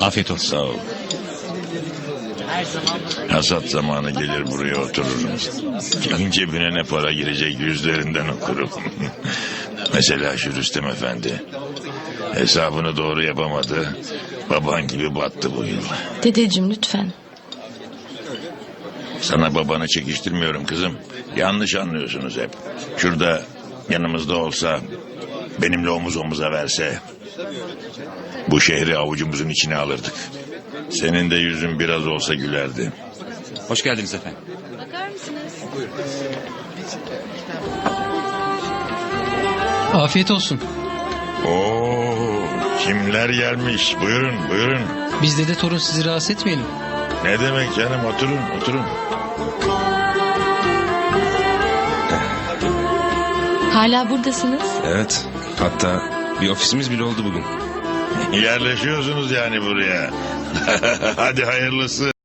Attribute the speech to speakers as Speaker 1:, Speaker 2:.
Speaker 1: Afiyet olsun.
Speaker 2: Sağ ol. Hasat zamanı gelir buraya otururum. Kimin cebine ne para girecek yüzlerinden okurum. Mesela şu Rüstem Efendi. Hesabını doğru yapamadı. Baban gibi battı bu yıl.
Speaker 3: Dedeciğim lütfen.
Speaker 2: Sana babanı çekiştirmiyorum kızım. Yanlış anlıyorsunuz hep. Şurada yanımızda olsa, benimle omuz omuza verse, bu şehri avucumuzun içine alırdık. Senin de yüzün biraz olsa gülerdi.
Speaker 1: Hoş geldiniz efendim.
Speaker 3: Bakar mısınız?
Speaker 4: Afiyet olsun.
Speaker 2: Oo, kimler gelmiş? Buyurun, buyurun.
Speaker 4: Biz dede torun sizi rahatsız etmeyelim.
Speaker 2: Ne demek canım, oturun, oturun.
Speaker 3: Hala buradasınız.
Speaker 5: Evet. Hatta bir ofisimiz bile oldu bugün.
Speaker 2: Yerleşiyorsunuz yani buraya. Hadi hayırlısı.